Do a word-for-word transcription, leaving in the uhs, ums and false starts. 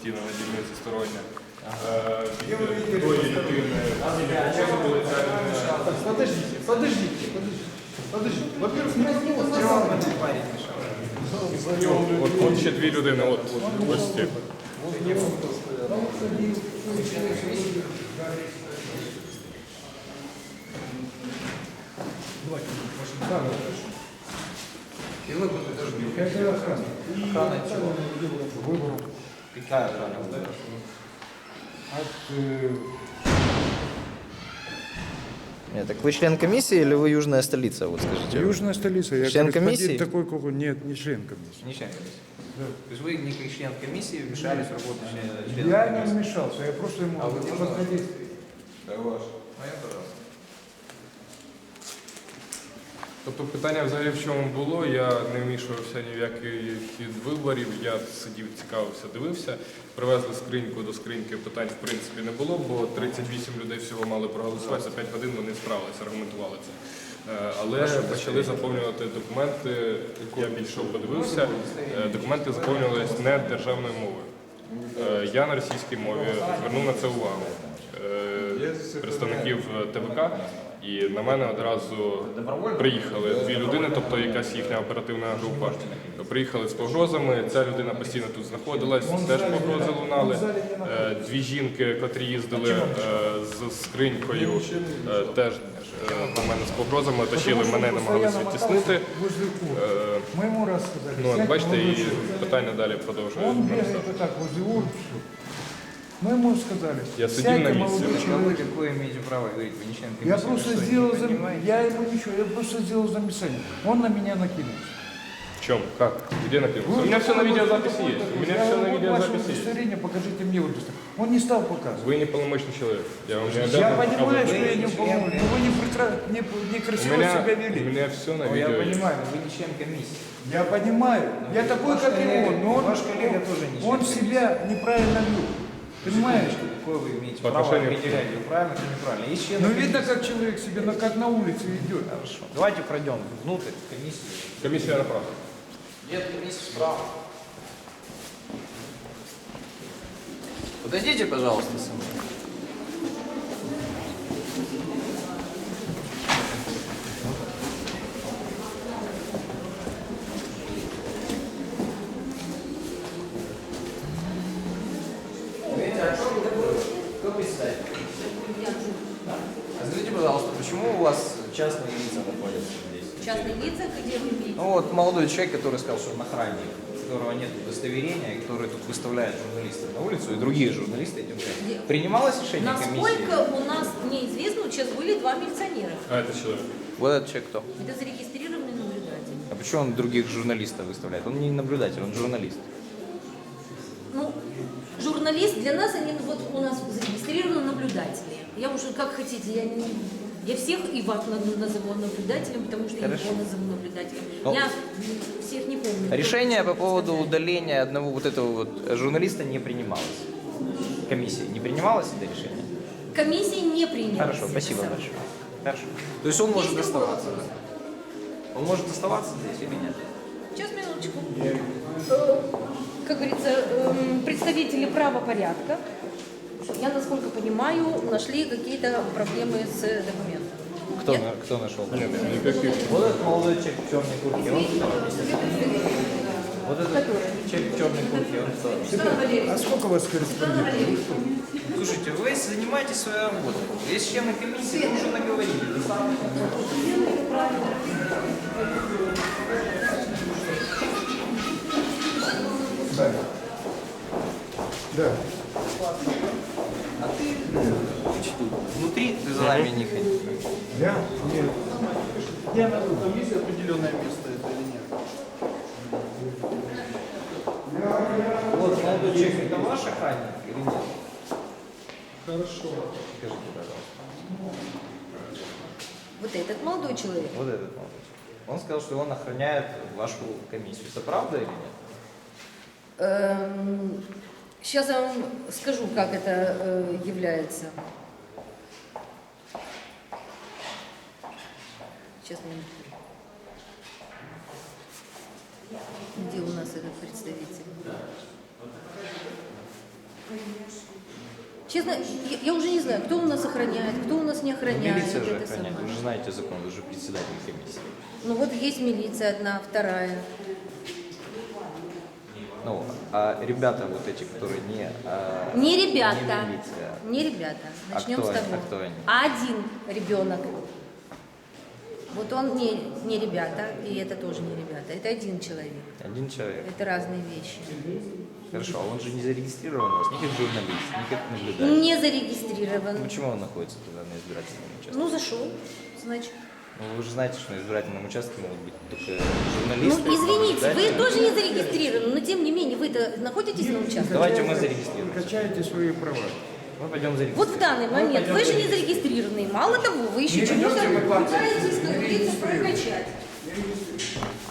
постійно на дільниці стороння. Від тої людини. Подождите, подождите, подождите. Подождите. Во-первых, не От, от ще дві людини, от, от, ось ці. И вы тут тоже не Это охрана. охрана чего? Выбору. Какая охрана? От, э, Нет, так вы член комиссии или вы южная столица, вот скажите? Южная столица. Я Член корреспондент комиссии? такой, как он. Нет, не член комиссии. Не член комиссии. Да. То есть вы не как член комиссии вмешались в работу члена члена Я не комиссии? вмешался, я просто ему А вы можно? подходил. Да, ваш. Моя, пожалуйста. Тобто питання взагалі в чому було, я не вмішувався ні в який хід виборів, я сидів, цікавився, дивився. Привезли скриньку, до скриньки питань в принципі не було, бо тридцять вісім людей всього мали проголосувати, за п'ять годин вони справилися, аргументували це. Е, Але почали заповнювати документи, я більше подивився, е, документи заповнювалися не державною мовою. Е, Я на російській мові звернув на це увагу е, представників ТВК. І на мене одразу приїхали дві людини, тобто якась їхня оперативна група. Приїхали з погрозами, ця людина постійно тут знаходилась, теж погрози лунали. Е, Дві жінки, котрі їздили е, з скринькою, е, теж е, на мене з погрозами, оточили мене, намагалися відтіснити. Е, Мы ему рассказали. Ну, от сядь, бачите, молодой і человек. питання далі продовжує. Он бегает вот так возле урн. Мы ему сказали, Я сидел сядьте, на месте. молодой А вы человек. какое имеете право говорить? Вы не член комиссии? Я вы просто что, не сделал, зам... понимаете? я ему ничего, я просто сделал замечание. Он на меня накинулся. В чем? Как? Где написано? У меня все на видеозаписи есть. У меня Я все на вот ваше видеозаписи есть. удостоверение, покажите мне удостоверение. Он не стал показывать. Вы не полномочный человек. Я вам не Я обязан понимаю, показывать. что я не Вы помню, член- но вы не прекра- не, У некрасиво меня, себя у вели. меня все на Ну, я видео есть. понимаю, но вы не член комиссии. Я понимаю, я такой, ваш как и коллега- он, но он, ваш коллега тоже не член он комиссии. себя неправильно вел. Понимаешь? Секундочку, какое вы имеете По право отношению к- определять, вы правильно или неправильно? Есть члены Ну комиссии. видно, как человек себе, ну, как на улице идет. Хорошо. Давайте пройдем внутрь комиссии. Комиссия направо. Нет, комиссия справа. Подойдите, пожалуйста, со мной. Видите, а что такое? Кто представитель? А скажите, пожалуйста, почему у вас частные лица находятся здесь? Частные лица, где вы видите? Ну вот молодой человек, который сказал, что он охранник, у которого нет удостоверения, который тут выставляет журналистов на улицу, и другие журналисты этим занимаются. Принималось решение комиссии? Насколько у нас неизвестно, вот сейчас были два милиционера. А это человек. Вот этот человек кто? Это зарегистрированный наблюдатель. А почему он других журналистов выставляет? Он не наблюдатель, он журналист. Ну, журналист для нас, они вот у нас зарегистрированы наблюдатели. Я уже как хотите, я не... Я всех и вас на- назову наблюдателем, потому что Хорошо. я его назову наблюдателем. Ну, я всех не помню. Решение Кто по поводу представляет. удаления одного вот этого вот журналиста не принималось. Комиссии не принималось это решение? Комиссия не приняла. Хорошо, спасибо большое. Хорошо. То есть он может Есть другой оставаться? вопрос? Он может оставаться здесь или нет? Сейчас, минуточку. Э, Как говорится, эм, представители правопорядка, я, насколько понимаю, нашли какие-то проблемы с документом. Кто, Я- на- кто нашел? Нет, никаких. Вот этот молодой человек в черной куртке, он кто? Вот этот человек в черной куртке, он кто? Светлана Валерьевна, А сколько у вас Светлана корреспондентов? Валерьевна, Слушайте, вы занимаетесь своей работой. Есть члены комиссии, вы уже наговорили. Да. Да. А ты, значит, внутри ты за нами не ходи. Я? Нет. Я на комиссии определенное место это или нет? Вот молодой человек, это ваш охранник или нет? Хорошо. Скажите, пожалуйста. вот этот молодой человек. Вот этот молодой человек. Он сказал, что он охраняет вашу комиссию. Это правда или нет? Эм, Сейчас я вам скажу, как это э, является. Сейчас, минутку. Где у нас этот представитель? Честно, я, я уже не знаю, кто у нас охраняет, кто у нас не охраняет. Милиция же это охраняет, самое. вы же знаете закон, вы же председатель комиссии. Ну вот есть милиция одна, вторая. Ну, а ребята вот эти, которые не... а, Не ребята. Не милиция. Не ребята. А Начнем кто с они? того. А кто они? Один ребенок. Вот он не, не ребята, и это тоже не ребята. Это один человек. Один человек. Это разные вещи. Хорошо, а он же не зарегистрирован у вас, ни как журналист, ни как наблюдатель. Не зарегистрирован. Почему он находится тогда на избирательном участке? Ну, зашел, значит. Ну, вы же знаете, что на избирательном участке могут быть только Ну, журналисты. извините, вы наблюдатели. тоже не зарегистрированы, но тем не менее, вы-то находитесь на участке? Давайте мы зарегистрируемся. Качайте свои права. Мы пойдем зарегистрируемся. Вот в данный момент вы же не зарегистрированы. Мало того, вы еще чему-то пытаетесь, как говорится, прокачать.